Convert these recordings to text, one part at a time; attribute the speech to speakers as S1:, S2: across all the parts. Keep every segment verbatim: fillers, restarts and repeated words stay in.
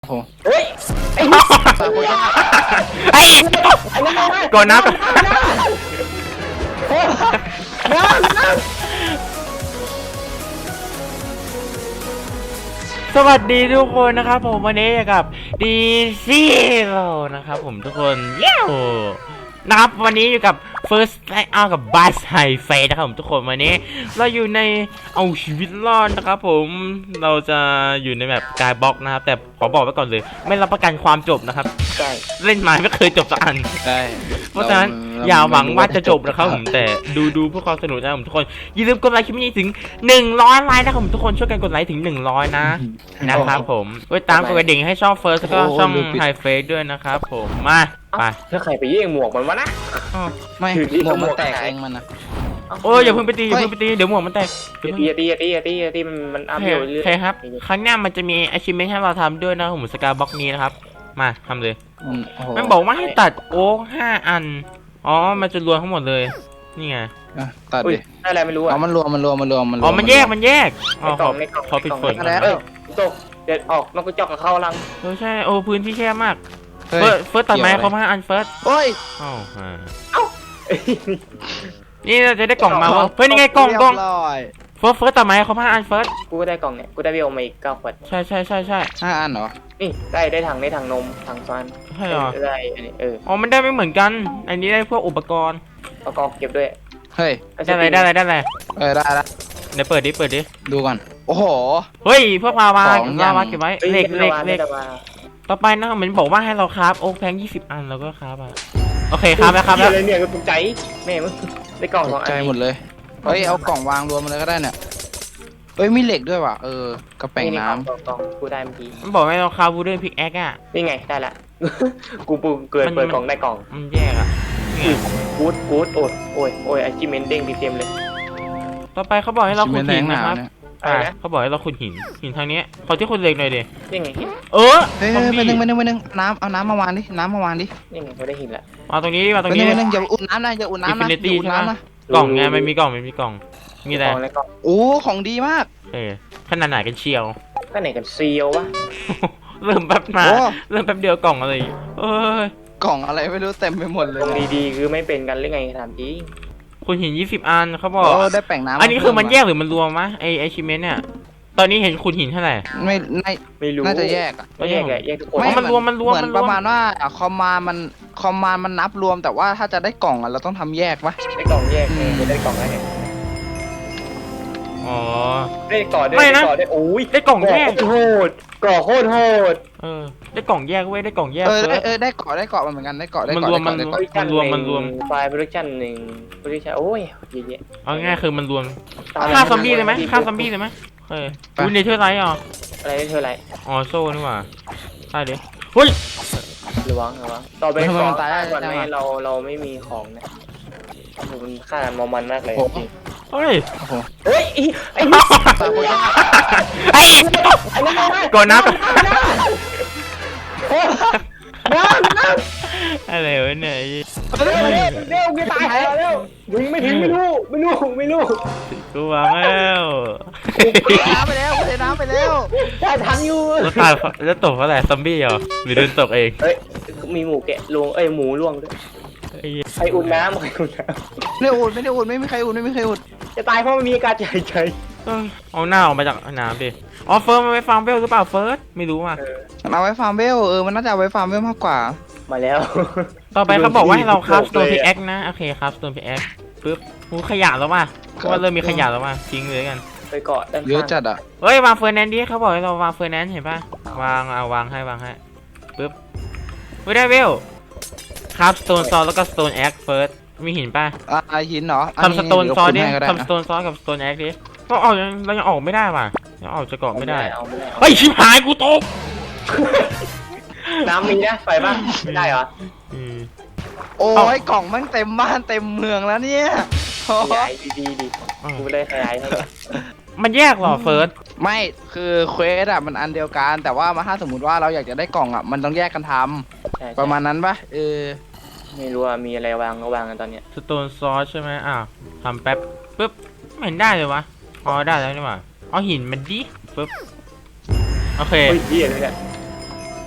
S1: โอ้
S2: เฮ้ยไอ้
S1: ไอ้ก่อนนับสวัสดีทุกคนนะครับผมวันนี้กับดีซีโร่นะครับผมทุกคนเย้นะครับวันนี้อยู่กับ First Light Out กับ Bass High Face นะครับผมทุกคนวันนี้เราอยู่ในเอาชีวิตรอดนะครับผมเราจะอยู่ในแบบกายบล็อกนะครับแต่ขอบอกไว้ก่อนเลยไม่รับประกันความจบนะครับ
S2: ใช่
S1: เล่นมาไม่เคยจบสักอัน
S2: ใช่
S1: เพราะฉะนั้นอย่าหวังว่าจะจบนะครับผมแต่ดูดูเพื่อความสนุกนะครับผมทุกคนอย่าลืมกดไลค์คลิปนี้ถึงหนึ่งร้อยไลค์นะครับผมทุกคนช่วยกันกดไลค์ถึงหนึ่งร้อยนะนะครับผมไว้ตามกดกระดิ่งให้ช่อง First แล้วก็ช่อง High Face ด้วยนะครับผมมาไป
S2: ถ้าใครไปแย่งหมวกมันวะนะ
S1: ไม่
S2: หมวกมันแตกเองมันนะ
S1: โอ้ยอย่าเพิ่งไปตีอย่าเพิ่งไปตีเดี๋ยวหมวกมันแตก
S2: ตีตีตีตีตีตีมันมันอัพเดทเรื่อย
S1: ๆใช่ครับครั้งหน้ามันจะมี achievement ให้เราทำด้วยนะผมสกายบล็อกนี้นะครับมาทำเลยมันบอกว่าให้ตัดโอ๊กห้าอันอ๋อมันจะรวมทั้งหมดเลยนี่ไง
S2: ตัดดิอะไรไม่รู้อ่ะ
S3: มันรวมมันรวมมันรวมมัน
S1: อ๋อมันแยกมันแยก
S2: อ๋อ
S1: ขอปิดฝน
S2: แล้วตกเด็ดออกนกกระจอกกับเข้าลัง
S1: เออใช่โอ้พื้นที่แคบมากเฟิร์สเฟิร์สตัดไม้เขามาอันเฟิร์ส
S3: โอ้ย
S1: เอ้าเอ้านี่เราจะได้กล่องมาวะเฮ้ยนี่ไงกล่องกล่องเฟิร์สเฟิร์สตัดไม้เขามาอันเฟิร์ส
S2: กูได้กล่องเนี่ยกูได้เวลมาอีกเก้าขวด
S1: ใช่ใช่ใช่ใช่
S3: ห้าอันเหรอ
S2: นี่ได้ได้ถังได้ถังนมถังซอน
S1: ใช่เหรอ
S2: ได้อันนี้เออ
S1: อ๋อมันได้ไม่เหมือนกันอันนี้ได้พวกอุปกรณ์
S2: อุปกรณ์เก็บด้วย
S3: เฮ้ย
S1: ได้อะไรได้อะไรได้อะไร
S3: เออได้แล้ว
S1: เดี๋ยวเปิดดิเปิดดิ
S3: ดูก่อนโอ้โห
S1: เฮ้ยพวกลาวาลาวาเก็บไว้เหล็กเหล็กเหล็กต่อไปนะมันบอกว่าให้เราคราฟโอ๊กแพงยี่สิบอันแล้วก็คราฟอ่ะโอเคคราฟแล้วคราฟแล้ว
S2: เนี่ยก็ตกใจแม่มึงได้กล่องสองอัน
S3: ใจหมดเลยเฮ้ยเอากล่องวางรวมมาเลยก็ได้เนี่ยเฮ้ยมีเหล็กด้วยว่ะเออกระแป้งน้ำ
S2: กล่องกูได้เมื่อกี้
S1: มันบอกให้เราคราฟวูดเดนพิกแอคอ่ะ
S2: นี่ไงได้ละกูปูเกิดเปิดกล่องได้กล่อง
S1: มันแยกอ่ะ
S2: กูดกูดโอ้ยโอ้ยโอ้ยไอจิเมนเด้งเต็มเลย
S1: ต่อไปเขาบอกให้เราขุดหินนะครับอ่าเขาบอกให้เราขุดหินหินทางนี้ขอที่ขุดเหล็กหน่อยดิ
S2: ยังไง
S1: เออ
S3: เฮ้ยไปหนึ่งไปหนึ่งไปหนึ่งน้ำเอาน้ำมาวางดิน้ำมาวางดิ
S2: ยังไงเขาได้หินละ
S1: มาตรงนี้มาตรงนี้
S3: ไปหนึ่งอย่าอุ่นน้ำนะอย่าอุ่นน้ำนะ
S1: อย่าอุ่นน้ำนะกล่องไงไม่มีกล่องไม่มีกล่องมีอะไร
S3: โอ้ของดีมาก
S1: เออขนาดไหนกันเชียว
S2: ขนาดไหนกันเซียววะ
S1: เริ่มแป๊บมาเริ่มแป๊บเดียวกล่องอะไรเอ้ย
S3: กล่องอะไรไม่รู้เต็มไปหมดเลย
S2: ดีๆคือไม่เป็นกันหรือไงถามจริง
S1: คุณหินยี่สิบอันเขาบอก
S3: ได้แป้งน้ำ
S1: อันนี้คือมันแยกหรือมันรวมมะไอไอชิเมนเนี่ยตอนนี้เห็นคุณหินเท่าไหร่
S3: ไม่ไม่
S2: ไม่รู้
S3: น่าจะแยกอ่ะ
S2: แยกแยกทุกคน
S1: มันรวมมันรวม
S3: มันประมาณว่าคอมมานมันคอมมานมันนับรวมแต่ว่าถ้าจะได้กล่องอ่ะเราต้องทำแยกปะ
S2: ได้กล่องแยกไม่ได้กล่องอะไร
S1: อ๋อ
S2: ได้กล่องได้กล่องได้โอ้ย
S1: ได้กล่องแยก
S2: โหดกล่องโคตรโหด
S1: เออได้กล่องแยกเว้ยได้กล่องแยก
S3: เออเออได้เกาะได้เกาะมันเหมือนกันได้เกาะได้เกาะ
S1: มันรวมมันรวมมันรวม
S2: ไฟล์โปรดักชั่นหนึ่งโปรดักชั่นโอ้ยเยอะ
S1: เอาง่ายคือมันรวมฆ่าซอมบี้เลยไหมฆ่าซอมบี้เลยไหมเฮ้ยคุณเนเธอร์ไลท์อ่ะ
S2: อะไรเนเธอร์ไลท์
S1: อ๋อโซ่นี่หว่าใช่ดิเฮ้ย
S2: ระวังระวังต่อไปก่อนก่อนไหมเราเราไม่มีของนะมันฆ่ามอมันมากเลยจริง
S1: เฮ้ย
S2: เฮ้ยไอ้
S1: ไอ้ก่อนนับ
S2: น้ำน้
S1: ำอะไรวะเนี่ย
S2: เร็วเร็วเร็วกูตายแล้วเร็วยิงไม่ถึงไม่รู้ไม่รู้ไม่รู้
S1: กูวางแล้ว
S3: น้ำไปแล้วกูเทน้ำไปแล้ว
S2: ได้ทันอยู่
S1: แล้วตายแล้วตกเพราะอะไรซอมบี้เหรอหรือโดนตกเอง
S2: เฮ้ยมีหมูแกะลวงเอ้ยหมูล่วงด้วยใครอุ่นน้ำใครอุ่นน้
S3: ำไม่อุ่นไม่ได้อุ่นไม่มีใครอุ่นไม่มีใครอุ่น
S2: จะตายเพราะมันมีอากาศใจใจ
S1: เอาหน้าออกมาจากน้ำดิอ๋อเฟิร์สมันไปฟาร์มเวลหรือเปล่าเฟิร์สไม่รู้อ่ะ
S3: มันเอาไว้ฟาร์มเวลเออมันน่าจะเอาไว้ฟาร์มเวลมากกว่า
S2: มาแล้ว
S1: ต่อไปเขาบอกว่าให้เราคราฟสโตนพิกแอคนะโอเคครับสโตนพิกแอคปึ๊บหูขยะแล้วว่ะเพราะว่าเริ่มมีขยะแล้วว่ะทิ้งเลยกัน
S2: ไปเกาะ
S3: เยอะจัดอ่ะ
S1: เฮ้ยวางเฟอร์แนนซ์ดิเขาบอกให้เราวางเฟอร์แนนซ์เห็นป่ะวางเอาวางให้วางให้ปึ๊บไม่ได้เวลครับสโตนซอสแล้วก็สโตนแอคเฟิร์สมีหินป่ะ
S3: อ่าหินเหรอ
S1: ทำสโตนซอสดิทำสโตนซอสกับสโตนแอคดิก็ออกเรายังออกไม่ได้ว่ะยังออกจะเกาะไม่ได้เฮ้ยชิบหายกูตก
S2: น้ำมีนะไฟบ้างไม่ได้เหรอ
S3: โอ้ยกล่องมันเต็มบ้านเต็มเมืองแล้วเนี่ย
S2: ใหญ่ดีดีกูเลยขยายให้
S1: มันแยกหรอเฟิร์ส
S3: ไม่คือเควสอะมันอันเดียวกันแต่ว่ามาถ้าสมมติว่าเราอยากจะได้กล่องอะมันต้องแยกกันทำประมาณนั้นปะเออ
S2: ไม่รู้ว่ามีอะไรวางก็วางกันตอนเนี้ย
S1: สโตนซอสใช่ไหมอ้าวทำแป๊บปึ๊บไม่เห็นได้เลยวะอ๋อได้แล้วนี่หว่าเอาหินมันดิปึ๊บโอเค
S2: เฮ้ยเหี้ยเลยเนี่ย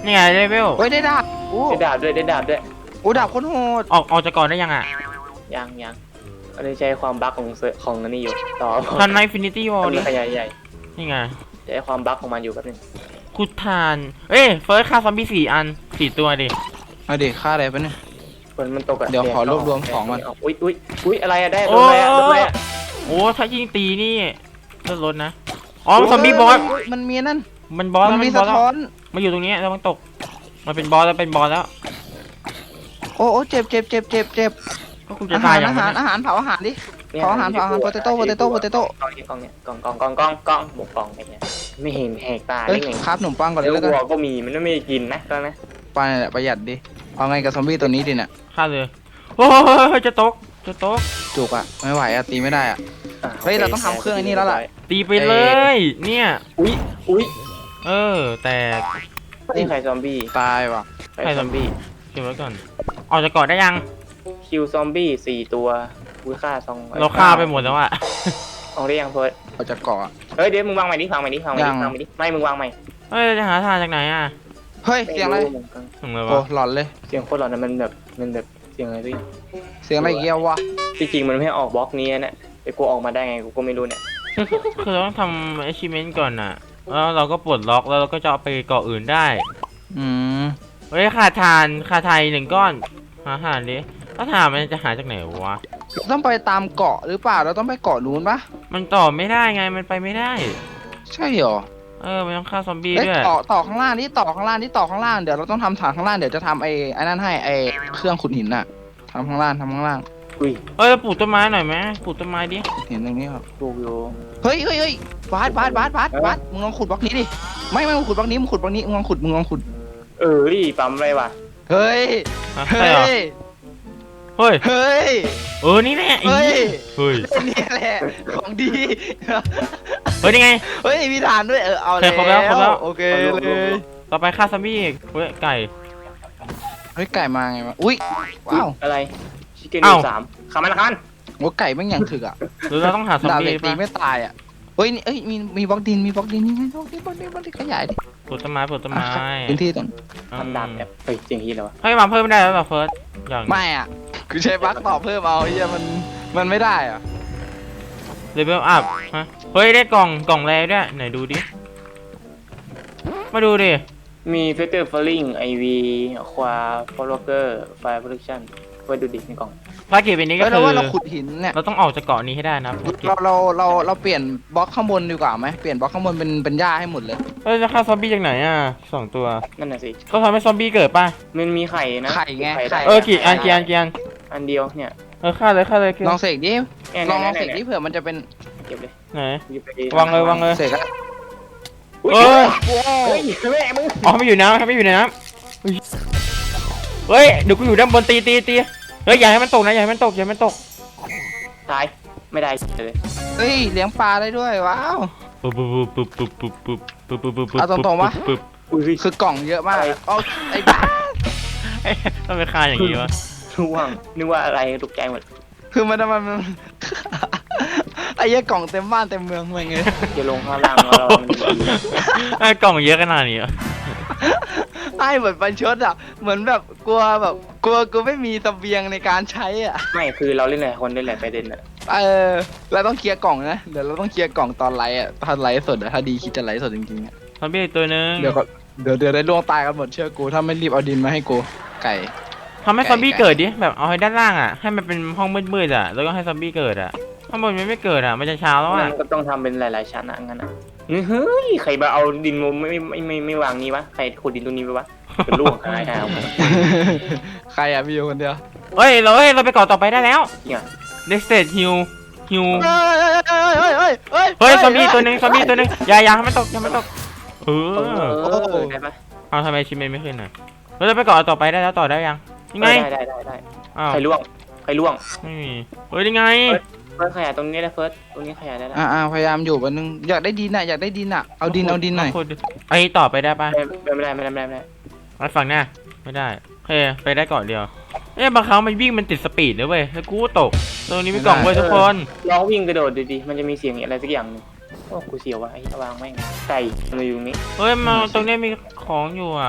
S1: นี่ไงเลเวล
S3: เฮ้ยได้ดาบโอ้
S2: ได้ดาบด้วยได้ดาบด้วย
S3: โอ้ดาบโคตรโหด
S1: ออกออกจากก่อนได้ยังอ่ะ
S2: ยังยังอันนี้ใช้ความบั๊กของเซิร์ฟของอันนี้อยู่ต่อ
S1: ทันไนฟินิตี้วอล
S2: มัน
S1: ดิ
S2: ขยายใหญ่
S1: นี่ไง
S2: ใช้ความบั๊กของมันอยู่แป๊บนึง
S1: คุดทานเอ้ยเฟิร์สฆ่าซอมบี้สี่อันสี่ตัวดิ
S3: เอาดิค่าอะไรปะเนี่ย
S2: ฝนมันตกอะ
S3: เดี๋ยวขอรวบรวมของก่อน
S2: อุ้ยอุ้ยอุ้ยอะไรอะได้โดนอะไรอะโดนอะไรอะ
S1: โอ้ถ้ายิงตีนี่เลือดลดนะอ๋อซอมบี้บอส
S3: เฮ้ยมันมีนั่น
S1: มันบอส
S3: มั
S1: แล้ว
S3: น
S1: มั
S3: มี
S1: นบ
S3: สะ
S1: อสแล้ว
S3: ท้อน
S1: มาอยู่ตรงนี้แล้วมันตกมันเป็นบอสแล้วเป็นบอสแล้ว
S3: โอ้โอ้เจ็บเจ็บเจ็บเจ็บเจ็บ
S1: ก็คุณจะ
S3: อา
S1: ตา
S3: หาย ร
S1: อย่าง
S3: อาหาร
S1: นี้
S3: อาหารเผาอาหารดิ
S2: เนี่ย
S3: ขออาหารขออาหาร potato potato potato
S2: กล่องนี้กล่องเนี้ยกล่องกล่องกล่องกล่องกล่องหมกกล่องไอ้เนี่ยไม่เห็นแหกตา
S3: เฮ้ย
S2: ได้ไง
S3: ครับขนมปังก่อนเล
S2: แล้
S3: ยว แล้วกัน
S2: วัวก็มีมันไม่กินนะตอนนั้น
S3: ไปนี่นแหละประหยัดดิเอาไงกับซอมบี้ตัวนี้ดิเนี่ย
S1: ฆ่าเลยโอ้ยจะตกจะตก
S3: จุกอะไม่ไหวอะตีไม่ได้อะ
S2: อ่ะ
S3: เฮ้ยเราต้องทำเครื่องไอ้นี่แล้วล่ะ
S1: ตีไปเลย เนี่ย
S2: อุ้ยอุ้ย
S1: เออแต่
S2: นี่ใครซอมบี้
S3: ตายว่ะ
S2: ใครซอมบี้
S1: เก็บไว้ก่อนออกจากเกาะได้ยัง
S2: คิวซอมบี้สี่ตัวอุ้ยฆ่าซอง
S1: เราฆ่าไปหมดแล้วอะ
S2: เอาได้ยังเพิร์ด
S3: เอาจากเกาะอะ
S2: เฮ้ยเดี๋ยวมึงวางใหม่ดิวางใหม่ดิวางใหม่
S3: ยั
S2: ดิ
S3: ง
S2: วางใหม่ดิไม่มึงวางใหม่
S1: เฮ้ยเราจะหาทางจากไหนอะ
S3: เฮ้ยเสียงอะไร
S2: ม่กัน
S1: ถึงเลย
S3: โอ้
S1: วะ
S3: หลอนเลย
S2: เสียงโคตรหลอนนะมันแบบมันแบบเสียงอะไรพี่
S3: เสียงอะไรอีกเกี่ยววะ
S2: จริงๆมันไม่ให้ออกบล็อกนี้นะแต่กูออกมาได้ไงกูก็ไม่รู้เนี่ย
S1: คือเราต้องทำ achievement ก่อนอะแล้วเราก็ปลดล็อกแล้วเราก็จะเอาไปเกาะอื่นได้
S3: อืม
S1: เฮ้ยขาดทานขาดไทยหนึ่งก้อนหาอาหารดิแล้วถามมันจะหาจากไหนวะ
S3: ต้องไปตามเกาะหรือเปล่าเราต้องไปเกาะนู้นปะ
S1: มันต่อไม่ได้ไงมันไปไม่ได้
S3: ใช่เหรอ
S1: เออมันต้องฆ่าซอมบี้
S3: เอ้ย
S1: ด้วย
S3: ต่อต่อข้างล่างนี่ต่อข้างล่างนี่ต่อข้างล่างเดี๋ยวเราต้องทำฐานข้างล่างเดี๋ยวจะทำไอ้ไอ้นั่นให้ไอ้เครื่องขุดหินน่ะทำข้างล่างทำข้างล่าง
S2: อุ้ย
S1: เอ้ยปลูกต้นไม้หน่อยไหมปลูกต้นไม้ดิ
S3: หินตรงนี้ครับ
S2: ถูกอยู่
S3: เฮ้ยเฮ้ยเฮ้ยบาสบาสบาสบาสบาสมึงลองขุดบล็อกนี้ดิไม่ไม่มึงขุดบล็อกนี้มึงขุดบล็อกนี้มึงลองขุดมึงลองขุด
S2: เออดิปั๊มอะไรวะ
S3: เฮ้ย
S1: อ่ะ
S3: เฮ้
S1: ใช่เหรอ
S3: ย
S1: เฮ้ย
S3: เฮ้ย
S1: เออนี่แหละไอ้
S3: เฮ้ย
S1: เฮ้ย
S3: นี่แหละของดี
S1: เฮ้ยนี่ไง
S3: เฮ้ยมีฐานด้วยเออเอา
S1: โอเคครบแล้วครบแล้ว
S3: โอเคเลย
S1: ต่อไปฆ่าซอมบี้อีกเฮ้ยไก่
S3: เฮ้ยไก่มาไงวะอุ้ยว้าว
S2: อะไรชิคเก้น
S1: เอ้า
S2: สามขามันละคัน
S3: โอ้ไก่แม่งอย่างถึกอ่ะ
S1: หรือเราต้องหาซอม
S3: ดาบ
S1: บี้
S3: เหล็กตี
S1: ป่ะ
S3: ไม่ตายอ่ะเฮ้ยนี่เอ้ยมีมีบล็อกดินมีบล็อกดินนี่ไงบล็อกดินบล็อกดินบล็อกดินขยายดิ
S1: ปลูกต้นไม้ปลูกต้นไม้
S3: อ่ะพื้นที่ตรง
S2: ทำดาบแบบเฮ้ยจริงที่แล้ววะ
S1: เฮ้ยมาเพิ่มไม่ได้แล้วเหรอเฟิร์สอย่าง
S3: ไม่อ่ะคือใช้บล็อกต่อเพิ่มเอาเฮียมันมันไม่ได้อ่ะ
S1: เลเวลอัพฮะเฮ้ยได้กล่องกล่องแรด้วยไหนดูดิมาดูดิ
S2: มีเฟเตอร์ฟลิงไอวีควาฟอลเกอร์ไฟโปรดักชั่นเพื่อดูดิในกล่อง
S1: ภารกิจเป็นนี้ก็
S3: เฮ้ย
S1: คื
S3: เรา
S1: อ
S3: ว่าเราขุดหินเนี่ย
S1: เราต้องออกจากเกาะนี้ให้ได้นะภารกิจ
S3: เราเราเราเราเปลี่ยนบล็อกข้างบนดีกว่าไหมเปลี่ยนบล็อกข้างบนเป็นเป็นหญ้าให้หมดเลย
S1: เฮ้ยจะฆ่าซอมบี้จากไหนอ่ะสองตัว
S2: นั่นน่ะสิ
S1: ก็ทำให้ซอมบี้เกิดป่ะ
S2: มันมีไข่นะ
S3: ไข่ไง
S2: ด้
S3: ไข่
S1: เออกี่อันกี่อันกี่อัน
S2: อันเดียวเนี่ย
S1: เออฆ่าเลยฆ่าเลย
S3: ลองเสกดิ
S2: เนี่ย
S3: ลองลอง
S2: นี่
S3: เสกดิ
S2: นี่
S3: เผื่อมันจะเป็น
S2: เก็บเลย
S1: ไหน
S2: หยิบไป
S1: วางเลยวางเลย
S3: เสกอะ
S2: อุ้ย
S1: เอ้ย
S2: เฮ้ยแม่มึง
S1: อ๋อไม่อยู่น้ำไม่อยู่ในน้ำเฮ้ยเฮ้ยเดี๋ยวกูอยู่ด้านบนตีตีตีเฮ้ยอย่าให้มันตกนะอย่าให้มันตกอย่าให้มันตก
S2: ตายไม่ได้เลย
S3: เฮ้ยเลี้ยงปลาได้ด้วยว้าว
S1: ปุ๊บปุ๊บปุ๊บปุ๊บปุ๊บปุ๊บปุ๊บปุ๊บปุ๊บปุ๊บ
S3: เอาตรงๆวะ
S1: ปุ๊บ
S2: อุ้ย
S3: คือกล่องเยอะมาก
S2: อะไร
S3: เอาไอ้บ้า
S1: เอ้ยต้องไปฆ่าอย่างนี้วะ
S2: นึกว่านึกว่าอะไรตกใจหมด
S3: คือมันมันมัน ไอ้เหี้ยกล่องเต็มบ้านเต็มเมืองเมืองเลย
S2: จะลงข้างล่างแล้วเรามัน
S1: ไอ้กล่องเยอะขนาดนี้เหรอ
S3: ไอ้เหมือนประชดอ่ะเหมือนแบบกลัวแบบกลัวกูไม่มีเสบียงในการใช้อ่ะ
S2: ไม่คือเราเล่นหลายคนเล่นหลายประเด็นอะ
S3: เออเราต้องเคลียร์กล่องนะเดี๋ยวเราต้องเคลียร์กล่องตอนไลฟ์อ่ะตอนไลฟ์สดอ่ะถ้าดีคิดจะไลฟ์สดจริงๆอ่ะ
S1: ซอมบี้อีกตัวหนึง
S3: เดี๋ยวก็เดี๋ยวเดี๋ยวได้ล่วงตายกันหมดเชื่อกูถ้าไม่รีบเอาดินมาให้กูไก่
S1: ทำให้ซอมบี้เกิดดิแบบเอาให้ด้านล่างอ่ะให้มันเป็นห้องมืดๆอ่ะแล้วก็ให้ซอมบี้เกิดอ่ะข้างบนมันไม่เกิดอ่ะมันจะเช้าแล้ว
S2: มั
S1: อ่ะ
S2: นก็ต้องทำเป็นหลายๆชั้นอะงั้นอะเฮ้ยใครมาเอาดินมาไม่ไม่ไม่ไม่วางนี้วะใครขุดดินตรงนี้ไปวะเป็นลูกหายหาย
S3: ใครอ่ะมีอยู่คนเดียว
S1: เฮ้ยเราเฮ้ยเราไปเกาะต่อไปได้แล้ว
S2: เนี่ย
S1: เดสเตดฮิวฮิว
S3: เฮ้ยเฮ้ยเฮ้ย
S1: เฮ้ยซอมบี้ตัวหนึงซอมบี้ตัวหนึงอย่าอย่าให้มันตกอย่าให้มันตกเอ
S2: เอ
S1: อ
S2: อได้ปะ
S1: เอาทำไมชิมเมนไม่ขึ้นอ่ะเราจะไปเกาะต่อไปได้แล้วต่อได้ยังยังไง
S2: ได้ได้ได้ได้
S1: อ้าว
S2: ใครล่วงใครล่วง
S1: ไม่มีเฮ้ยยังไง
S2: เฟิร์สขยายตรงนี้ได้เฟิร์สตรงนี้ขยายได้แล้ว
S3: อ่าพยายามอยู่วันนึงอยากได้ดินอ่ะอยากได้ดินอ่ะเอาดินเอาดินหน่อย
S1: ขุดไอ้ต่อไปได้ปะ
S2: ไม่ได้ไม่ได้ไม่ได้ไม่ได้
S1: ไอ้ฝั่งหน้าไม่ได้โอเคไปได้เกาะเดียวเอ้ยบางครั้งมันวิ่งมันติดสปีดนะเว้ยแล้วกูก็ตกตรงนี้มีกล่องเว้ยทุกคน
S2: ลองวิ่งกระโดดดูดิมันจะมีเสียงอะไรสักอย่างนึงโอ้กูเสียววะไอ้วางแม่งไก่มันอยู่ตรงนี้
S1: เฮ้ยมาตรงนี้มีของอยู่อ่ะท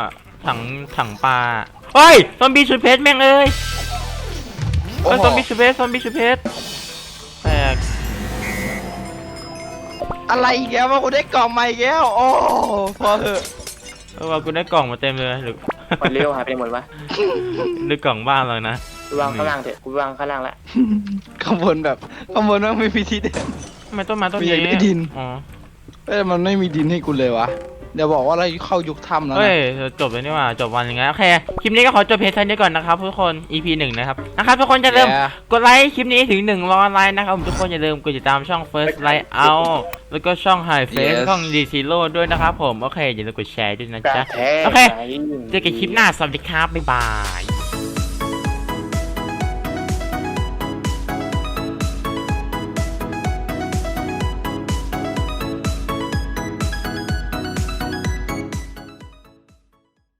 S1: ถังถังปลาเฮ้ยซอมบี้ชุดเพชรแม่งเอ้ย
S3: โอ้
S1: เฮ้ย
S3: โห
S1: ซอมบี้ชุดเพชรซอมบี้ชุดเพชรแตก
S3: อะไรอีกแล้วว่ากูได้กล่องใหม่อีกแล้วโอ้พอเถอะ
S1: เออว่ากูได้กล่องมาเต็มเลยหรือ
S2: คนเร็วหายไปหมดวะ
S1: หรือกล่องบ้านเรานะ
S2: กูวางข้างล่างเถอะกูวางข้างล่างละ
S3: ข้างบนแบบข้างบนมันไม่มีที่เดิน
S1: ทำไมต้นไม้ต้น
S3: มี
S1: นี้
S3: แต่ดิน
S1: อ๋อ
S3: เอ้ยมันไม่มีดินให้กูเลยวะเดี๋ยวบอกว่าเราเข้ายุคถ้ำแล้ว
S1: เฮ้
S3: นะ
S1: ยจบเลยนี่หว่าจบวันอย่างเงี้ยโอเคคลิปนี้ก็ขอจบเพียงเท่านี้ก่อนนะครับทุกคน อี พี หนึ่งนะครับนะครับทุกคนจะเริ่าลืม กดไลค์คลิปนี้ถึงหนึ่งร้อยไลค์นะครับผมทุกคนอย่าลืมกดติดตามช่อง First Light Out แล้วก็ช่อง High Face ช่อง D Zero ด้วยนะครับผมโอเคอย่าลืมกดแชร์ด้วยนะ
S2: กระ
S1: จ๊ะ
S2: แทก
S1: โอเค
S2: ไป
S1: เจอกันคลิปหน้าสวัสดีครับบ๊ายบาย